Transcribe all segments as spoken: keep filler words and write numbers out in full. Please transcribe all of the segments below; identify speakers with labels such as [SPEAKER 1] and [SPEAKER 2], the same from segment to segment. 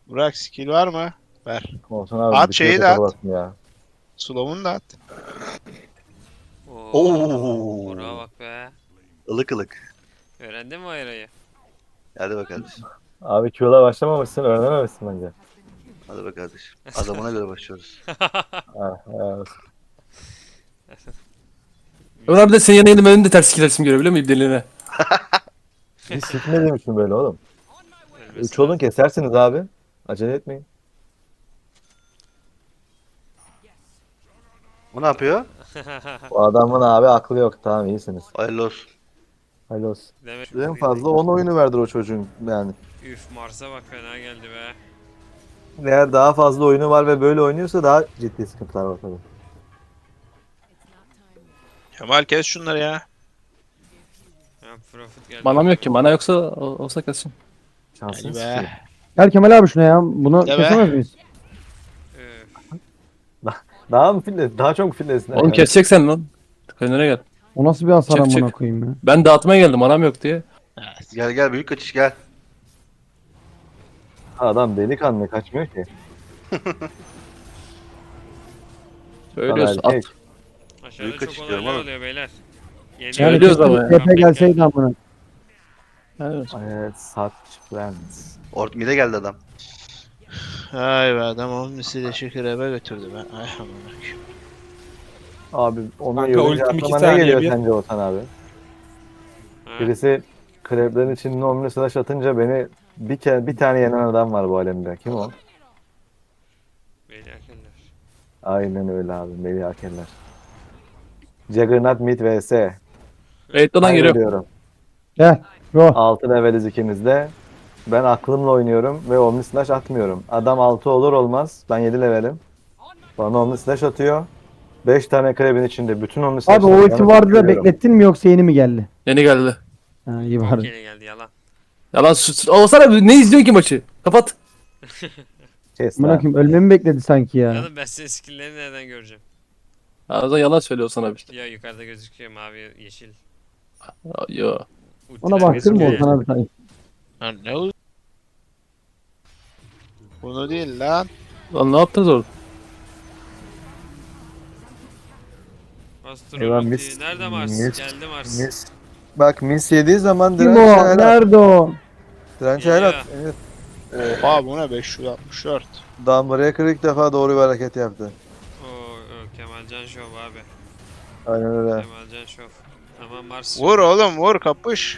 [SPEAKER 1] Burak skill var mı? Ver.
[SPEAKER 2] Olsun abi.
[SPEAKER 1] At
[SPEAKER 2] bir
[SPEAKER 1] şeyi
[SPEAKER 2] kere
[SPEAKER 1] de at.
[SPEAKER 2] basın ya.
[SPEAKER 1] Slow'unu da at.
[SPEAKER 3] Oo. Burak'a
[SPEAKER 4] Oo.
[SPEAKER 3] bak be.
[SPEAKER 4] Ilık ılık.
[SPEAKER 3] Öğrendin mi o ayrayı?
[SPEAKER 4] Hadi bak kardeşim.
[SPEAKER 2] Abi Q'la başlamamışsın, öğrenememişsin bence.
[SPEAKER 4] Hadi bak kardeşim. Adamına göre başlıyoruz.
[SPEAKER 2] Ha, ha.
[SPEAKER 5] Ömer abi de senin yanına yedim, benim de ters ikilersim görebiliyor muyum deliğine?
[SPEAKER 2] Hiç sikmediğim böyle oğlum.
[SPEAKER 3] Ölmesi
[SPEAKER 2] Üç olun
[SPEAKER 3] lazım.
[SPEAKER 2] kesersiniz abi. Acele etmeyin.
[SPEAKER 4] Bu ne yapıyor?
[SPEAKER 2] Bu adamın abi aklı yok. Tamam iyisiniz.
[SPEAKER 4] Hayırlı olsun.
[SPEAKER 2] Hayırlı olsun.
[SPEAKER 3] Demek
[SPEAKER 2] En fazla on oyunu verdir o çocuğun yani.
[SPEAKER 3] Üf, Mars'a bak, fena geldi be.
[SPEAKER 2] Eğer daha fazla oyunu var ve böyle oynuyorsa daha ciddi sıkıntılar var tabii.
[SPEAKER 1] Kemal kes şunları ya.
[SPEAKER 3] Ya Profit geldi.
[SPEAKER 5] Manam yok ki. Mana yoksa o- olsa kesin.
[SPEAKER 2] Şansını
[SPEAKER 1] Hadi be.
[SPEAKER 2] sikeyim.
[SPEAKER 6] Gel Kemal abi şuna ya. Bunu
[SPEAKER 1] De be.
[SPEAKER 6] kesemez miyiz?
[SPEAKER 3] Üf.
[SPEAKER 2] Daha mı fitness? Daha çok fitness.
[SPEAKER 5] Oğlum keseceksen lan. Kendine gel.
[SPEAKER 6] O nasıl bir hasar
[SPEAKER 5] Çık,
[SPEAKER 6] amına
[SPEAKER 5] çık.
[SPEAKER 6] koyayım ya.
[SPEAKER 5] Ben dağıtmaya geldim, manam yok diye.
[SPEAKER 4] Gel gel büyük kaçış gel.
[SPEAKER 2] Adam delikanlı kaçmıyor ki.
[SPEAKER 5] Söylüyorsun
[SPEAKER 2] Bana
[SPEAKER 5] at.
[SPEAKER 2] erkek.
[SPEAKER 3] Aşağıda
[SPEAKER 4] Büyük
[SPEAKER 3] çok
[SPEAKER 4] kaçış diyorum
[SPEAKER 3] olaylar
[SPEAKER 4] oğlum.
[SPEAKER 3] oluyor beyler. Yeni
[SPEAKER 5] Yani
[SPEAKER 6] Yani
[SPEAKER 5] Söylüyoruz ama
[SPEAKER 6] kesin
[SPEAKER 5] ya.
[SPEAKER 6] T P gelseydi amına.
[SPEAKER 5] Evet.
[SPEAKER 2] Evet such friends.
[SPEAKER 4] Ort mide geldi adam.
[SPEAKER 1] Ay be adam omnisiyle şeker eve götürdü ben. Ay aman akıyım.
[SPEAKER 2] Abi onu
[SPEAKER 7] Kanka,
[SPEAKER 2] görünce
[SPEAKER 7] ultim iki
[SPEAKER 2] aklıma ne
[SPEAKER 7] saniye
[SPEAKER 2] geliyor
[SPEAKER 7] bir.
[SPEAKER 2] sence Otan abi?
[SPEAKER 3] Ha,
[SPEAKER 2] Birisi kreplerin içinde omni slash atınca beni bir kere bir tane yenen adam var bu alemde. Kim o?
[SPEAKER 3] beyler erkenler.
[SPEAKER 2] Aynen öyle abi. Melih Akeller. Juggernaut Mid vs.
[SPEAKER 5] Raid'den geliyor.
[SPEAKER 2] Kaybediyorum.
[SPEAKER 6] Gel. Go.
[SPEAKER 2] altı leveliz ikimiz de. Ben aklımla oynuyorum ve Omni Slash atmıyorum. Adam altı olur olmaz. Ben yedi levelim. Bana Omni Slash atıyor. beş tane krebin içinde bütün Omni
[SPEAKER 6] Abi
[SPEAKER 2] Slash'ları
[SPEAKER 6] o ulti
[SPEAKER 2] yanıp
[SPEAKER 6] vardı da
[SPEAKER 2] görüyorum.
[SPEAKER 6] beklettin mi yoksa yeni mi geldi?
[SPEAKER 5] Yeni geldi.
[SPEAKER 6] Ha iyi
[SPEAKER 3] Çok
[SPEAKER 6] bari.
[SPEAKER 3] yeni geldi, yalan.
[SPEAKER 5] Yalan sus. Olsana ne izliyorsun ki maçı? Kapat.
[SPEAKER 2] Kes
[SPEAKER 6] Amına
[SPEAKER 2] lan.
[SPEAKER 6] koyayım ölmemi bekledi sanki ya.
[SPEAKER 3] Ya ben senin skill'lerini nereden göreceğim?
[SPEAKER 5] Ya o zaman yalan söylüyor sana işte.
[SPEAKER 3] Ya yukarıda gözüküyor mavi, yeşil.
[SPEAKER 5] Ya, yo.
[SPEAKER 6] Ona
[SPEAKER 3] Ultiler
[SPEAKER 6] baktın mı
[SPEAKER 3] gözüküyor
[SPEAKER 6] Ozan
[SPEAKER 3] ya.
[SPEAKER 6] abi sanki?
[SPEAKER 1] Lan ne oldu? Bunu değil lan.
[SPEAKER 5] Lan ne yaptınız orada?
[SPEAKER 3] Astro
[SPEAKER 2] Eyvah,
[SPEAKER 3] ulti.
[SPEAKER 2] mis-
[SPEAKER 3] Nerede Mars?
[SPEAKER 2] mis-
[SPEAKER 3] Geldi Mars.
[SPEAKER 2] Mis. Bak Mis yediği zaman
[SPEAKER 6] Kim
[SPEAKER 2] direnç
[SPEAKER 6] o?
[SPEAKER 2] helal.
[SPEAKER 6] Nerede o?
[SPEAKER 2] Direnç
[SPEAKER 3] Geliyor.
[SPEAKER 2] helal. Evet.
[SPEAKER 1] Oha bu ne beş yüz altmış dört.
[SPEAKER 2] Dawnbreaker ilk defa doğru bir hareket yaptı.
[SPEAKER 3] Oo, o Kemalcan Şov abi.
[SPEAKER 2] Aynen öyle.
[SPEAKER 3] Kemalcan Şov. Tamam Mars.
[SPEAKER 1] Vur oğlum vur kapış.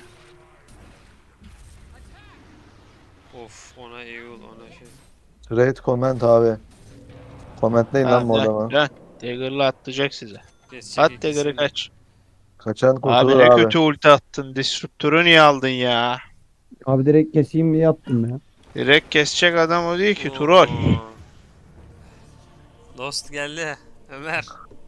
[SPEAKER 3] Of, ona Eul, ona şey.
[SPEAKER 2] Raid comment abi. Commentleyin lan bu adamı.
[SPEAKER 1] Dön. Dagger'la atlayacak size.
[SPEAKER 3] Kesecek
[SPEAKER 1] At Dagger'ı
[SPEAKER 3] ikisini.
[SPEAKER 1] kaç.
[SPEAKER 2] Kaçan
[SPEAKER 1] Abi
[SPEAKER 2] kurtulur
[SPEAKER 1] ne
[SPEAKER 2] abi.
[SPEAKER 1] kötü ulti attın. Disruptor'u niye aldın ya?
[SPEAKER 6] Abi direkt keseyim diye yaptım ya.
[SPEAKER 1] Direkt kesecek adam o değil ki
[SPEAKER 3] Oo.
[SPEAKER 1] troll.
[SPEAKER 3] Dost geldi. Ömer.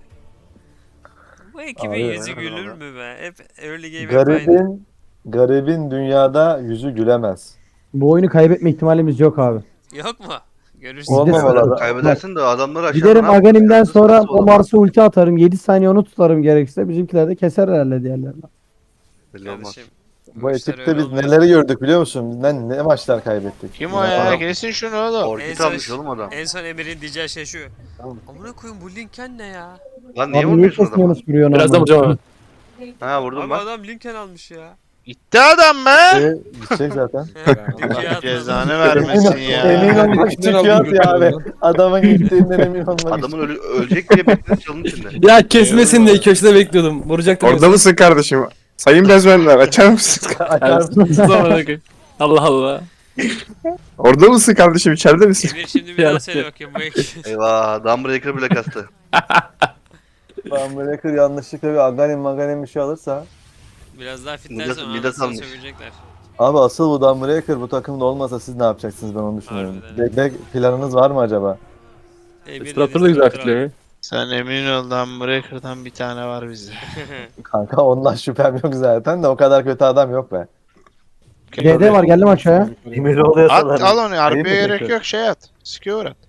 [SPEAKER 3] Bu ekibin
[SPEAKER 2] Abi,
[SPEAKER 3] yüzü
[SPEAKER 4] aynen
[SPEAKER 3] gülür
[SPEAKER 4] abi.
[SPEAKER 3] mü be? Hep early game hep aynı.
[SPEAKER 2] Garibin, garibin dünyada yüzü gülemez.
[SPEAKER 6] Bu oyunu kaybetme ihtimalimiz yok abi.
[SPEAKER 3] Yok mu? Görürsün.
[SPEAKER 2] Olmamalı adam.
[SPEAKER 4] Kaybedersin de adamları aşağıdan
[SPEAKER 6] Giderim
[SPEAKER 4] al.
[SPEAKER 6] Aghanim'den
[SPEAKER 4] Nasıl-
[SPEAKER 6] sonra
[SPEAKER 4] nasıl
[SPEAKER 6] o Mars'a ulti atarım. yedi saniye onu tutarım gerekirse. Bizimkiler de keser herhalde diğerlerini.
[SPEAKER 4] Belli olmaz.
[SPEAKER 3] Kardeşim.
[SPEAKER 2] Bu
[SPEAKER 3] işler
[SPEAKER 2] ekipte
[SPEAKER 3] öyle
[SPEAKER 2] biz
[SPEAKER 3] olmuyor.
[SPEAKER 2] neleri gördük biliyor musun? Bizden ne maçlar kaybettik.
[SPEAKER 1] Kim
[SPEAKER 2] Yine
[SPEAKER 1] o ya?
[SPEAKER 2] falan.
[SPEAKER 1] Kesin şunu oğlum.
[SPEAKER 3] En
[SPEAKER 4] Orkut
[SPEAKER 3] son-
[SPEAKER 4] almış oğlum adam.
[SPEAKER 3] En son Emir'in diyeceği şey şu.
[SPEAKER 2] Tamam.
[SPEAKER 3] Amına koyayım, bu Lincoln ne ya?
[SPEAKER 4] Lan niye
[SPEAKER 6] Abi niye
[SPEAKER 4] vurmuyorsun adama?
[SPEAKER 6] kesmiyorsunuz vuruyorsun
[SPEAKER 5] Birazdan
[SPEAKER 6] amına?
[SPEAKER 5] vuracağım abi.
[SPEAKER 4] Ha vurdum
[SPEAKER 3] Abi
[SPEAKER 4] bak.
[SPEAKER 3] adam Lincoln almış ya.
[SPEAKER 1] Gitti adam be.
[SPEAKER 2] Ee, gidecek zaten.
[SPEAKER 3] Lincoln atmadı.
[SPEAKER 1] Cezanı vermesin ya.
[SPEAKER 2] Emin olmak için
[SPEAKER 7] Kimden
[SPEAKER 2] Q at
[SPEAKER 7] aldın
[SPEAKER 2] ya abi.
[SPEAKER 7] bunu?
[SPEAKER 2] Adamın gittiğinden emin olmak için.
[SPEAKER 4] Adamın ölü- ölecek diye bekledim çalın içinde.
[SPEAKER 5] Ya kesmesin diye köşede bekliyordum. Vuracaktım.
[SPEAKER 7] Orada mısın kardeşim? Sayın bezmenler açar mısınız?
[SPEAKER 2] Açar mısın?
[SPEAKER 5] mısın? Allah Allah.
[SPEAKER 7] Orada mısın kardeşim? İçeride misin?
[SPEAKER 3] Emir şimdi bir daha söyle bakayım bu ekip.
[SPEAKER 4] Eyvah Dawnbreaker bile kastı.
[SPEAKER 2] Dawnbreaker yanlışlıkla bir Aghanim Maganim bir şey alırsa.
[SPEAKER 3] Biraz daha
[SPEAKER 4] Midas-
[SPEAKER 3] fitlersen
[SPEAKER 4] Midas
[SPEAKER 3] anasını
[SPEAKER 4] almış.
[SPEAKER 3] sövecekler.
[SPEAKER 2] Abi asıl bu Dawnbreaker bu takımda olmasa siz ne yapacaksınız ben onu düşünüyorum.
[SPEAKER 3] Harbiden.
[SPEAKER 2] Bekle planınız var mı acaba?
[SPEAKER 3] Emir
[SPEAKER 5] Stratör da güzel fitliyor.
[SPEAKER 1] Sen emin ol lan Breaker'dan bir tane var bizde.
[SPEAKER 2] Kanka ondan şüphem yok zaten de o kadar kötü adam yok be.
[SPEAKER 6] D D var geldim aşağıya.
[SPEAKER 2] Emir oluyor
[SPEAKER 1] At al onu.
[SPEAKER 2] Ayıp
[SPEAKER 1] Harbiye
[SPEAKER 2] mı
[SPEAKER 1] gerek
[SPEAKER 2] kötü?
[SPEAKER 1] yok şey at. Skewer at.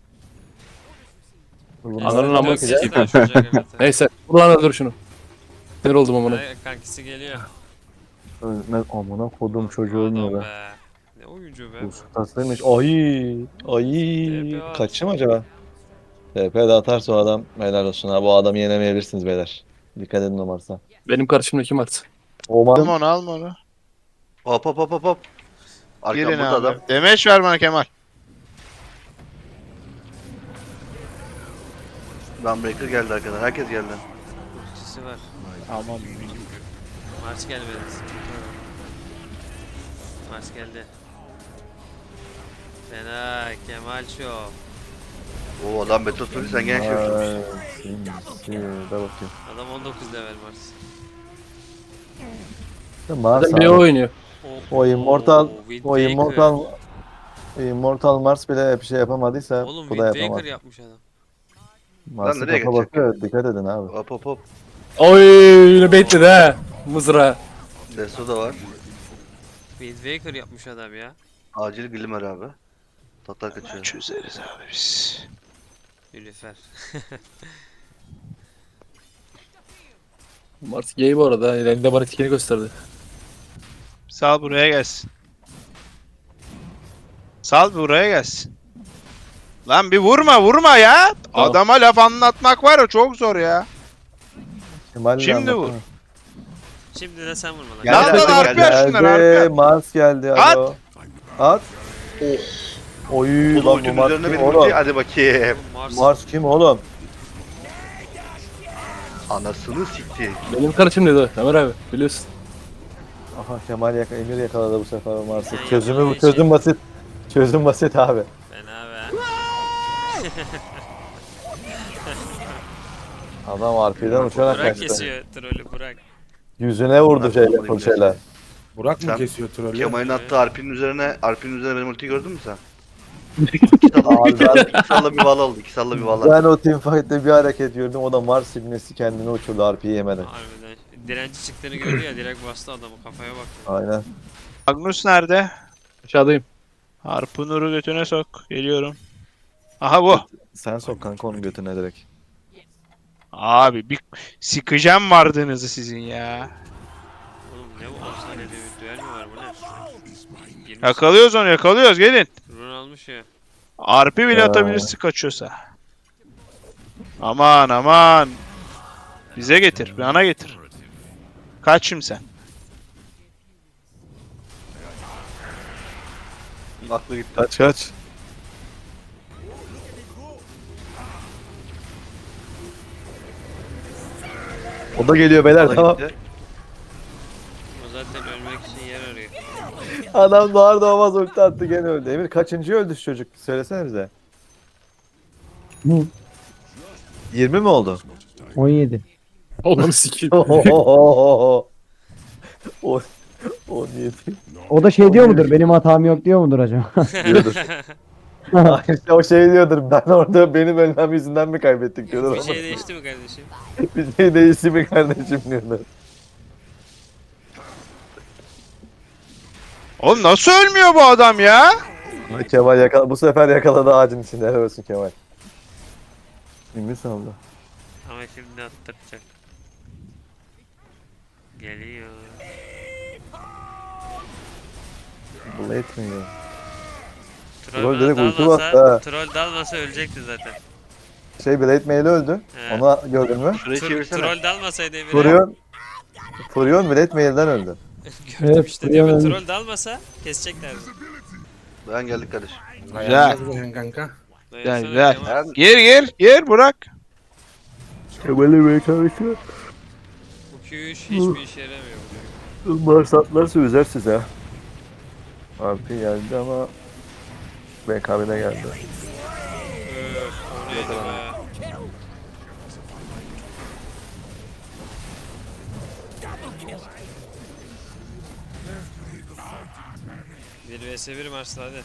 [SPEAKER 5] Ananın amına
[SPEAKER 3] Çok
[SPEAKER 5] sikeyim.
[SPEAKER 3] sesli açılacak evet.
[SPEAKER 5] Neyse. Vur lan öldür şunu. Sinir oldum amına.
[SPEAKER 3] Ay, kankisi geliyor.
[SPEAKER 2] Ölmez amına kodum çocuğu
[SPEAKER 3] Adam
[SPEAKER 2] ölmüyor be.
[SPEAKER 3] be. Ne oyuncu be.
[SPEAKER 2] Uf tatlıymış. Ay. Ay.
[SPEAKER 3] T P at.
[SPEAKER 2] Kaçı mı acaba? T P de atarsa o adam helal olsun ha. Bu adamı yenemeyebilirsiniz beyler. Dikkat edin o Mars'a.
[SPEAKER 5] Benim karşımda kim artık?
[SPEAKER 2] O
[SPEAKER 1] Alma onu alma onu.
[SPEAKER 4] Hop hop hop hop hop. Arkam
[SPEAKER 1] Girin
[SPEAKER 4] burada
[SPEAKER 1] abi.
[SPEAKER 4] adam.
[SPEAKER 1] Demeç ver bana Kemal.
[SPEAKER 4] Gunbreaker geldi arkadan. Herkes geldi.
[SPEAKER 3] Ultisi var.
[SPEAKER 1] Aman.
[SPEAKER 3] Mars gelmedi. Mars geldi. Fena Kemal Show.
[SPEAKER 4] Oo adam Beto Suri sen gene şey yapıyorsun.
[SPEAKER 2] Ay, sinsi. Dur bakayım.
[SPEAKER 3] Adam on dokuz level Mars.
[SPEAKER 2] Mars
[SPEAKER 5] Adam bir
[SPEAKER 2] abi.
[SPEAKER 5] o oynuyor.
[SPEAKER 2] O Immortal,
[SPEAKER 3] Wind
[SPEAKER 2] o
[SPEAKER 3] Waker.
[SPEAKER 2] Immortal, Immortal Mars bile bir şey yapamadıysa
[SPEAKER 3] Oğlum
[SPEAKER 2] bu da
[SPEAKER 3] Wind
[SPEAKER 2] yapamaz.
[SPEAKER 3] Waker yapmış adam.
[SPEAKER 2] Mars'ın
[SPEAKER 4] nereye
[SPEAKER 2] kafa
[SPEAKER 4] geçecek?
[SPEAKER 2] bakıyor, dikkat edin abi.
[SPEAKER 4] Hop hop hop.
[SPEAKER 5] Oy yine bekledi ha. Mızra.
[SPEAKER 4] Deso da var.
[SPEAKER 3] Wind Waker yapmış adam ya.
[SPEAKER 4] Acil Glimmer abi. Tatlar kaçıyor.
[SPEAKER 1] Çözeriz abi biz.
[SPEAKER 3] Nilüfer.
[SPEAKER 5] Mars gay bu arada. Elinde bana tikini gösterdi.
[SPEAKER 1] Sal buraya gelsin. Sal buraya gelsin. Lan bir vurma vurma ya.
[SPEAKER 5] Tamam.
[SPEAKER 1] Adama laf anlatmak var ya çok zor ya.
[SPEAKER 2] Kemal'le
[SPEAKER 1] Şimdi
[SPEAKER 2] anlatma.
[SPEAKER 1] vur.
[SPEAKER 3] Şimdi de sen vurma lan.
[SPEAKER 4] Geldi,
[SPEAKER 1] Lan lan
[SPEAKER 4] geldi,
[SPEAKER 1] arka
[SPEAKER 4] geldi.
[SPEAKER 1] şunlar
[SPEAKER 2] Geldi,
[SPEAKER 1] arka.
[SPEAKER 2] Mars geldi.
[SPEAKER 1] At.
[SPEAKER 2] Alo. At. Oy
[SPEAKER 4] Oğlum
[SPEAKER 2] lan bu
[SPEAKER 4] ultinin
[SPEAKER 2] Mars
[SPEAKER 4] üzerine
[SPEAKER 2] kim
[SPEAKER 4] benim ulti.
[SPEAKER 2] oğlum?
[SPEAKER 4] Hadi bakayım.
[SPEAKER 3] Mars.
[SPEAKER 2] Mars kim oğlum?
[SPEAKER 4] Anasını sikti.
[SPEAKER 5] Benim karşımdaydı Ömer abi. Biliyorsun.
[SPEAKER 2] Aha Kemal yak Emir yakaladı bu sefer o Mars'ı.
[SPEAKER 3] Sen
[SPEAKER 2] Çözümü
[SPEAKER 3] yakaladığı
[SPEAKER 2] bu çözüm
[SPEAKER 3] için-
[SPEAKER 2] basit. Çözüm basit abi.
[SPEAKER 3] Fena be.
[SPEAKER 2] Adam R P'den uçarak
[SPEAKER 3] Burak
[SPEAKER 2] kaçtı.
[SPEAKER 3] kesiyor trolü Burak.
[SPEAKER 2] Yüzüne vurdu
[SPEAKER 4] Burak
[SPEAKER 2] şeyle
[SPEAKER 4] olmalıyım
[SPEAKER 2] full şeyler.
[SPEAKER 8] Burak mı
[SPEAKER 4] Sen-
[SPEAKER 8] kesiyor trolü?
[SPEAKER 4] Kemal'in attığı Arpin'in üzerine, Arpin'in üzerine benim ultiyi gördün mü sen? İki salla,
[SPEAKER 2] Abi ben,
[SPEAKER 4] iki salla bir vala oldu. İki salla bir vala.
[SPEAKER 2] ben o teamfight'te bir hareket gördüm. O da Mars ibnesi kendini uçurdu R P'yi yemeden.
[SPEAKER 3] Harbiden. Direnci çıktığını gördü ya direkt bastı adamı kafaya baktı.
[SPEAKER 2] Aynen.
[SPEAKER 1] Magnus nerede?
[SPEAKER 5] Aşağıdayım.
[SPEAKER 1] Harpunuru götüne sok. Geliyorum. Aha bu.
[SPEAKER 2] Sen sok kanka onun götüne direkt.
[SPEAKER 1] Abi bir sikeceğim vardığınızı sizin ya.
[SPEAKER 3] Oğlum ne bu on saniyede bir düel mi var bu ne? yirmi
[SPEAKER 1] Yakalıyoruz onu yakalıyoruz gelin.
[SPEAKER 3] Run almış ya.
[SPEAKER 1] Arpi bile
[SPEAKER 2] Ya.
[SPEAKER 1] atabilirsin kaçıyorsa. Aman aman. Bize getir. Bana getir. Kaç şimdi sen.
[SPEAKER 4] Aklı gitti.
[SPEAKER 2] Kaç kaç. O da geliyor beyler
[SPEAKER 4] Aklı
[SPEAKER 2] tamam.
[SPEAKER 4] gitti.
[SPEAKER 3] O zaten ölmek için yer arıyor.
[SPEAKER 2] Adam doğar doğmaz ulti attı gene öldü. Emir kaçıncı öldü şu çocuk? Söylesene bize.
[SPEAKER 6] Hı.
[SPEAKER 2] yirmi mi oldu?
[SPEAKER 6] on yedi.
[SPEAKER 5] Oğlum sikeyim.
[SPEAKER 2] O on yedi
[SPEAKER 6] O da şey diyor mudur? Benim hatam yok diyor mudur acaba?
[SPEAKER 2] diyordur. İşte o şey diyordur. Ben orada benim ölmem yüzünden mi kaybettik diyordur.
[SPEAKER 3] Bir
[SPEAKER 2] ama
[SPEAKER 3] şey değişti mi kardeşim?
[SPEAKER 2] Bir şey değişti mi kardeşim diyordur.
[SPEAKER 1] Oğlum nasıl ölmüyor bu adam ya?
[SPEAKER 2] Kemal yakala bu sefer yakaladı ağacın içinde. Helal olsun Kemal. Ümit saldı.
[SPEAKER 3] Ama şimdi attıracak. Geliyor.
[SPEAKER 2] Blade mi ya?
[SPEAKER 3] Troll,
[SPEAKER 2] Troll direkt ulti
[SPEAKER 3] dalmasa,
[SPEAKER 2] bastı ha.
[SPEAKER 3] troll dalmasa ölecekti zaten.
[SPEAKER 2] Şey Blade Mail öldü.
[SPEAKER 3] He.
[SPEAKER 2] Onu gördün mü?
[SPEAKER 4] Şurayı
[SPEAKER 3] Tro-
[SPEAKER 4] çevirsene.
[SPEAKER 3] troll dalmasaydı Emir'e.
[SPEAKER 2] Furion. Furion Blade Mail'den öldü.
[SPEAKER 3] Gördüm
[SPEAKER 6] Evet,
[SPEAKER 3] işte diyor.
[SPEAKER 6] Furion
[SPEAKER 3] Troll dalmasa keseceklerdi.
[SPEAKER 4] Ben geldik kardeşim.
[SPEAKER 1] Güzel.
[SPEAKER 8] Güzel. Kanka.
[SPEAKER 1] Güzel
[SPEAKER 3] Dayansana
[SPEAKER 1] güzel.
[SPEAKER 3] Kemal.
[SPEAKER 1] Gir gir gir Burak.
[SPEAKER 2] Kemal'i Bey karışıyor.
[SPEAKER 3] Bu Q üç hiçbir işe yaramıyor.
[SPEAKER 2] Mars atlarsa üzer size. R P geldi ama B K B'de geldi.
[SPEAKER 3] Öf, o neydi be? Bir vs bir Mars'la hadi.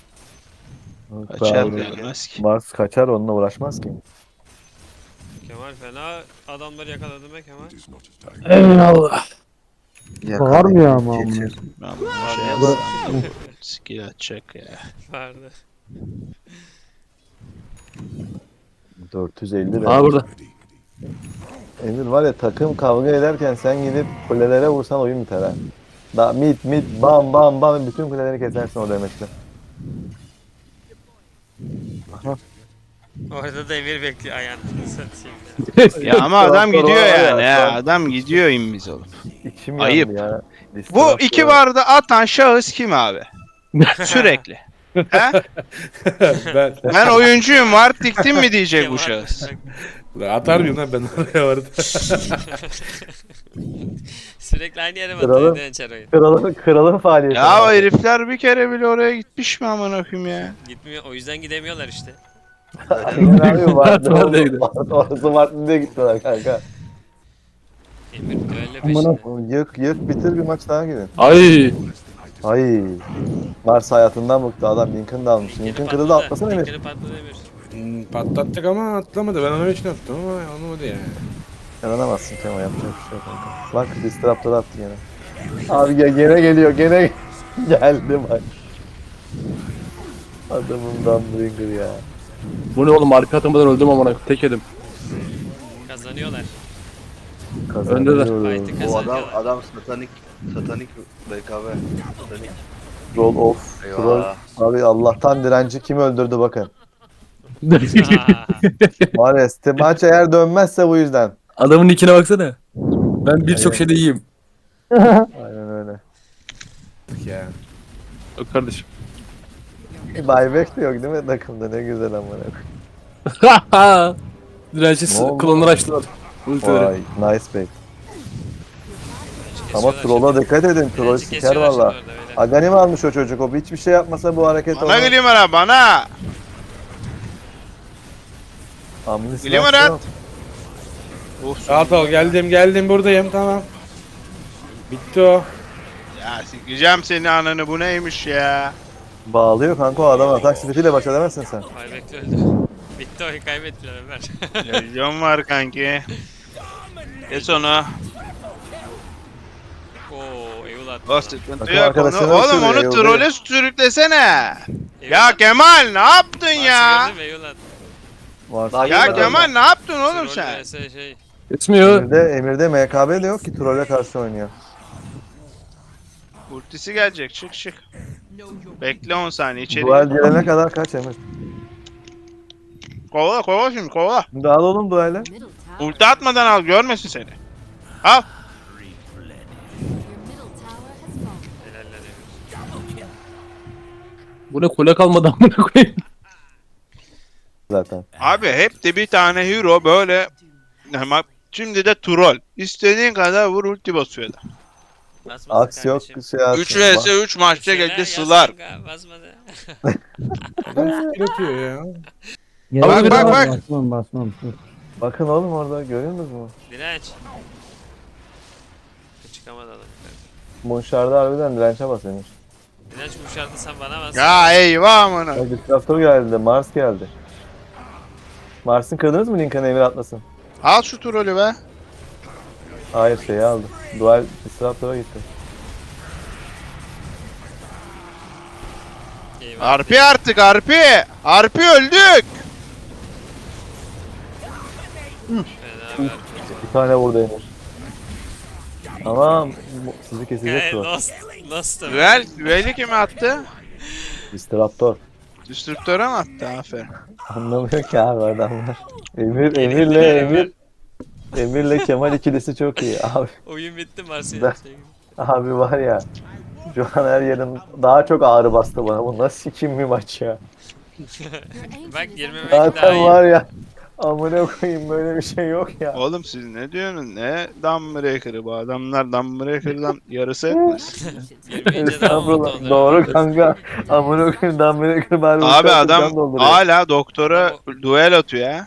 [SPEAKER 1] Kaçar
[SPEAKER 2] Ben-
[SPEAKER 1] gelmez ki.
[SPEAKER 2] Mars kaçar onunla uğraşmaz ki.
[SPEAKER 3] Kemal fena adamları yakaladı be Kemal.
[SPEAKER 5] Eyvallah.
[SPEAKER 6] Bağırmıyor ama. amına.
[SPEAKER 2] Geçir.
[SPEAKER 1] Ben bunu şey yapsam. Skill atacak ya.
[SPEAKER 3] Vardı.
[SPEAKER 2] dört yüz elli
[SPEAKER 5] Aa
[SPEAKER 2] lira.
[SPEAKER 5] burada.
[SPEAKER 2] Emir var ya takım kavga ederken sen gidip kulelere vursan oyun biter ha. Da mid mid bam bam bam bütün kuleleri kesersin o demekle.
[SPEAKER 3] Orada da Emir bekliyor ayağını satayım ya.
[SPEAKER 1] Ya ama adam
[SPEAKER 2] Raptor
[SPEAKER 1] gidiyor
[SPEAKER 2] var ya,
[SPEAKER 1] yani ya.
[SPEAKER 2] şu an.
[SPEAKER 1] Adam gidiyor immiz olup.
[SPEAKER 2] İçim
[SPEAKER 1] Ayıp.
[SPEAKER 2] yandı ya.
[SPEAKER 1] Bu
[SPEAKER 2] Disruptor.
[SPEAKER 1] iki barda atan şahıs kim abi? Sürekli. He?
[SPEAKER 8] Ben
[SPEAKER 1] Ben oyuncuyum var diktim mi diyecek bu şahıs.
[SPEAKER 8] atar mıyım lan ben oraya vardı.
[SPEAKER 3] Sürekli aynı yere mi
[SPEAKER 2] Kralım.
[SPEAKER 3] atıyor Ençer oyun?
[SPEAKER 2] Kralın, kralın faaliyeti.
[SPEAKER 1] Ya o herifler bir kere bile oraya gitmiş mi amına koyayım ya?
[SPEAKER 3] Gitmiyor o yüzden gidemiyorlar işte.
[SPEAKER 2] Aynen abi vardı.
[SPEAKER 5] Var da gidiyor.
[SPEAKER 2] Orası Martin'de gittiler kanka.
[SPEAKER 3] Emir düelle
[SPEAKER 6] Amına
[SPEAKER 3] peşinde.
[SPEAKER 2] Yık yık bitir bir maç daha gidin.
[SPEAKER 5] Ay.
[SPEAKER 2] Ay. Mars hayatından bıktı adam. Lincoln da almış. Lincoln kırıldı atlasana Emir.
[SPEAKER 3] Linkini patladı Emir.
[SPEAKER 8] Hmm, patlattık ama atlamadı. Ben onun için attım ama anlamadı yani.
[SPEAKER 2] Yanılamazsın Kemal yapacak bir şey yok kanka. Bak Disruptor attı gene. Abi ya gene geliyor gene geldi bak. Adamın Dumbringer ya.
[SPEAKER 5] Bu ne oğlum arka atamadan öldüm amına tek yedim.
[SPEAKER 3] Kazanıyorlar.
[SPEAKER 5] Öndeler.
[SPEAKER 2] Kazanıyoruz.
[SPEAKER 3] Fight'ı
[SPEAKER 4] Bu adam
[SPEAKER 3] kazanıyorlar.
[SPEAKER 4] adam satanik satanik B K B. Satanik.
[SPEAKER 2] Roll off. Troll.
[SPEAKER 4] Eyvallah.
[SPEAKER 2] Abi Allah'tan direnci kim öldürdü bakın.
[SPEAKER 3] Aa,
[SPEAKER 2] Var ya işte maç eğer dönmezse bu yüzden.
[SPEAKER 5] Adamın nickine baksana. Ben birçok şeyde iyiyim.
[SPEAKER 2] Aynen öyle.
[SPEAKER 8] Ya.
[SPEAKER 5] Yok kardeşim.
[SPEAKER 2] Buyback de yok değil mi takımda ne güzel amına.
[SPEAKER 5] Direnci
[SPEAKER 2] Ne oldu?
[SPEAKER 5] klonları açtılar. Ultileri.
[SPEAKER 2] Vay nice back. Ama
[SPEAKER 3] kesiyorlar
[SPEAKER 2] troll'a dikkat edin. Troll
[SPEAKER 3] Direnci
[SPEAKER 2] siker
[SPEAKER 3] kesiyorlar
[SPEAKER 2] valla.
[SPEAKER 3] şimdi orada beyler.
[SPEAKER 2] Agani mi almış o çocuk? O hiçbir şey yapmasa bu hareket
[SPEAKER 1] Bana
[SPEAKER 2] olmaz.
[SPEAKER 1] geliyor bana bana.
[SPEAKER 2] Amnis
[SPEAKER 1] Geliyor
[SPEAKER 2] var,
[SPEAKER 1] Murat.
[SPEAKER 2] yok.
[SPEAKER 1] Of.
[SPEAKER 8] Rahat ol geldim geldim buradayım tamam. Bitti o.
[SPEAKER 1] Ya sikeceğim seni ananı bu neymiş ya?
[SPEAKER 2] Bağlıyor kanka o adam atak speediyle baş edemezsin sen.
[SPEAKER 3] Ay bekle öldü. Bitti oyun kaybettiler Ömer.
[SPEAKER 1] Televizyon var kanki. Kes onu.
[SPEAKER 3] Oo Eyul attı.
[SPEAKER 1] O sıkıntı
[SPEAKER 2] Bakın
[SPEAKER 1] yok onu.
[SPEAKER 2] arkadaşlar
[SPEAKER 1] Oğlum
[SPEAKER 2] nasıl
[SPEAKER 1] onu
[SPEAKER 2] veriyor,
[SPEAKER 1] trole sürüklesene.
[SPEAKER 3] Eyul
[SPEAKER 1] Ya
[SPEAKER 3] attı.
[SPEAKER 1] Kemal ne yaptın ya?
[SPEAKER 3] Maçı gördün mü? Eyul attı.
[SPEAKER 2] Var.
[SPEAKER 4] Daha
[SPEAKER 1] Ya
[SPEAKER 4] girmeden
[SPEAKER 1] Kemal ne yaptın oğlum
[SPEAKER 3] Troll
[SPEAKER 1] sen?
[SPEAKER 3] vs şey.
[SPEAKER 5] Kesmiyor.
[SPEAKER 2] Emir'de, Emir'de M K B de yok ki trolle karşı oynuyor.
[SPEAKER 1] Ultisi gelecek çık çık. Bekle on saniye içeri.
[SPEAKER 2] Duel gelene kadar kaç Emir?
[SPEAKER 1] Kovala kovala şimdi kovala.
[SPEAKER 2] Şimdi al oğlum duele.
[SPEAKER 1] Ulti atmadan al görmesin seni. Al.
[SPEAKER 3] Helaller Emir.
[SPEAKER 5] Bu ne kule kalmadı amına koyayım.
[SPEAKER 2] Zaten.
[SPEAKER 1] Abi hep de bir tane hero böyle. Ama şimdi de troll. İstediğin kadar vur ulti basıyor da.
[SPEAKER 3] Basmasın
[SPEAKER 2] Aks yok
[SPEAKER 3] kardeşim.
[SPEAKER 2] şey at.
[SPEAKER 1] üç vs üç maçta
[SPEAKER 3] Şeyler
[SPEAKER 1] geldi
[SPEAKER 3] yaz
[SPEAKER 1] sılar.
[SPEAKER 3] kanka, basmadı.
[SPEAKER 8] Adam skill atıyor ya.
[SPEAKER 6] Gerek
[SPEAKER 1] Bak,
[SPEAKER 6] yok
[SPEAKER 1] bak,
[SPEAKER 6] abi,
[SPEAKER 1] bak.
[SPEAKER 6] Basmam basmam. Dur.
[SPEAKER 2] Bakın oğlum orada görüyor musunuz?
[SPEAKER 3] Direnç. Çıkamadı adam.
[SPEAKER 2] Monşar'da harbiden dirençe bas Emir.
[SPEAKER 3] Direnç kuşardı sen bana bas.
[SPEAKER 1] Ya eyvah amına.
[SPEAKER 2] Bak Disruptor geldi, Mars geldi. Mars'ın kırdınız mı Lincoln Emir atlasın?
[SPEAKER 1] Al şu trolü be.
[SPEAKER 2] Hayır şeyi aldı. Dual Disruptor'a gitti.
[SPEAKER 3] Eyvah.
[SPEAKER 1] Arpi artık Arpi. Arpi öldük.
[SPEAKER 3] Fena ver.
[SPEAKER 2] Bir tane vurdu Emir. Ama bu- sizi kesecek
[SPEAKER 3] Hey,
[SPEAKER 2] bu.
[SPEAKER 3] Lost. Lost. Ömer.
[SPEAKER 1] Düel, düeli kime attı?
[SPEAKER 2] Disruptor.
[SPEAKER 1] Destruktör'e mi attı? Aferin.
[SPEAKER 2] Anlamıyor ki abi adamlar. Emir,
[SPEAKER 3] Yenildiler
[SPEAKER 2] Emir'le
[SPEAKER 3] Ömer.
[SPEAKER 2] Emir. Emir'le Kemal ikilisi çok iyi abi.
[SPEAKER 3] Oyun bitti Marsilya.
[SPEAKER 2] Ben- Abi var ya. Şu an her yerim daha çok ağrı bastı bana. Bu nasıl kim bir maç ya.
[SPEAKER 3] Bak girmemek daha
[SPEAKER 2] Zaten
[SPEAKER 3] iyi.
[SPEAKER 2] var ya. Amına koyayım böyle bir şey yok ya.
[SPEAKER 1] Oğlum siz ne diyorsunuz? Ne Dumbreaker'ı bu adamlar Dumbreaker'dan yarısı etmez.
[SPEAKER 3] Girmeyince daha mutlu
[SPEAKER 2] Estağfurullah.
[SPEAKER 3] oluyor.
[SPEAKER 2] Doğru kanka. Amına koyayım Dumbledore bari
[SPEAKER 1] Abi
[SPEAKER 2] uçak
[SPEAKER 1] adam
[SPEAKER 2] can dolduruyor.
[SPEAKER 1] hala doktora duel atıyor ya.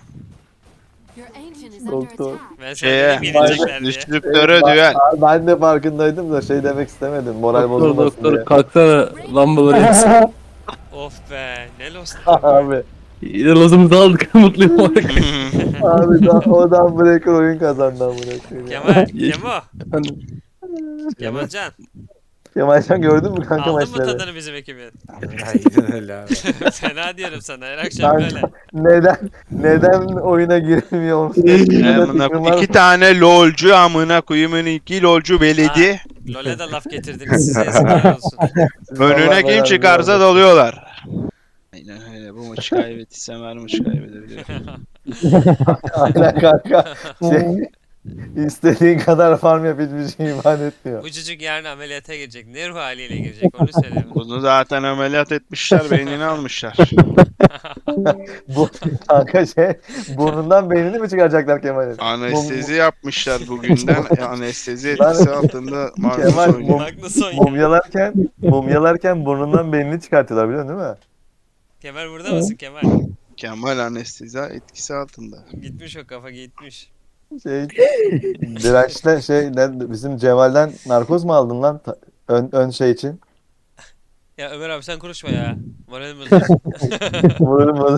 [SPEAKER 6] Doktor.
[SPEAKER 3] Ben
[SPEAKER 1] Şeye,
[SPEAKER 3] sana dedim yenecekler diye.
[SPEAKER 1] destrüktöre
[SPEAKER 2] Ben-
[SPEAKER 1] düel.
[SPEAKER 2] Ben de farkındaydım da şey demek istemedim. Moral
[SPEAKER 5] Doktor
[SPEAKER 2] bozulmasın
[SPEAKER 5] doktor
[SPEAKER 2] diye.
[SPEAKER 5] kalksana lambaları yaksın.
[SPEAKER 3] Of be ne Lost.
[SPEAKER 2] Abi.
[SPEAKER 5] Yine lazımızı aldık mutluyum olarak.
[SPEAKER 2] Abi da, o Dumbledore oyun kazandı amına koyayım. ya.
[SPEAKER 3] Kemal, Kemo,
[SPEAKER 5] Efendim.
[SPEAKER 3] Kemalcan.
[SPEAKER 2] Kemalcan gördün mü kanka
[SPEAKER 3] Aldın mı
[SPEAKER 2] maçları?
[SPEAKER 3] tadını bizim ekibin?
[SPEAKER 8] Aynen öyle abi.
[SPEAKER 3] Fena diyorum sana her akşam
[SPEAKER 2] Kanka,
[SPEAKER 3] böyle.
[SPEAKER 2] neden neden oyuna giremiyor musun?
[SPEAKER 1] Amına koy- İki tane lolcu amına koyayım iki lolcu beledi.
[SPEAKER 3] LoL'e de laf getirdiniz size yazıklar olsun.
[SPEAKER 1] Önüne
[SPEAKER 2] Vallahi
[SPEAKER 1] kim
[SPEAKER 2] beraber
[SPEAKER 1] çıkarsa
[SPEAKER 2] beraber.
[SPEAKER 1] dalıyorlar. Aynen öyle. Bu maçı kaybettiysem her maçı kaybedebilirim.
[SPEAKER 2] Aynen kanka. Şey, istediğin kadar farm yap hiçbir şey iman etmiyor.
[SPEAKER 3] Bu çocuk yarın ameliyata girecek. Ne ruh haliyle girecek onu söyle.
[SPEAKER 1] Bunu zaten ameliyat etmişler, beynini almışlar.
[SPEAKER 2] Bu kanka şey burnundan beynini mi çıkaracaklar Kemal'in?
[SPEAKER 1] Anestezi yapmışlar bugünden. E, Anestezi
[SPEAKER 2] Lan-
[SPEAKER 1] etkisi altında Magnus
[SPEAKER 2] Kemal,
[SPEAKER 1] oynuyor.
[SPEAKER 3] Magnus oynuyor.
[SPEAKER 2] Mumyalarken mumyalarken burnundan beynini çıkartıyorlar biliyorsun değil mi?
[SPEAKER 3] Kemal burada mısın Kemal?
[SPEAKER 1] Kemal anestezi etkisi altında.
[SPEAKER 3] Gitmiş o kafa gitmiş.
[SPEAKER 2] Şey dirençle şey ne- bizim Cemal'den narkoz mu aldın lan Ta- ön, ön şey için?
[SPEAKER 3] Ya Ömer abi sen konuşma ya. Moralim bozuyorsun.
[SPEAKER 2] Vururum onu.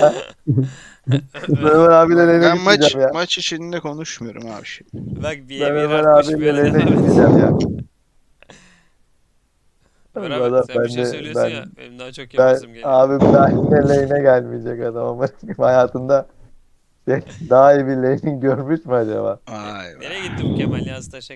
[SPEAKER 2] Ömer abiyle lane'e
[SPEAKER 1] Ben maç
[SPEAKER 2] gitmeyeceğim ya.
[SPEAKER 1] maç içinde konuşmuyorum abi şimdi.
[SPEAKER 3] Bak bir
[SPEAKER 2] Ben
[SPEAKER 3] bir
[SPEAKER 2] Ömer
[SPEAKER 3] artmış
[SPEAKER 2] abiyle
[SPEAKER 3] böyle
[SPEAKER 2] lane'e
[SPEAKER 3] devam et.
[SPEAKER 2] gitmeyeceğim ya.
[SPEAKER 3] Ömer
[SPEAKER 2] Valla
[SPEAKER 3] abi sen bir şey
[SPEAKER 2] ben de-
[SPEAKER 3] söylüyorsun
[SPEAKER 2] ben-
[SPEAKER 3] ya. Benim daha çok
[SPEAKER 2] Ben
[SPEAKER 3] yapasım geliyor.
[SPEAKER 2] abi bir daha lane'e gelmeyecek adam ama hayatında şey, daha iyi bir lane görmüş mü acaba?
[SPEAKER 1] Vay be.
[SPEAKER 3] Nereye gitti bu Kemal ya taşa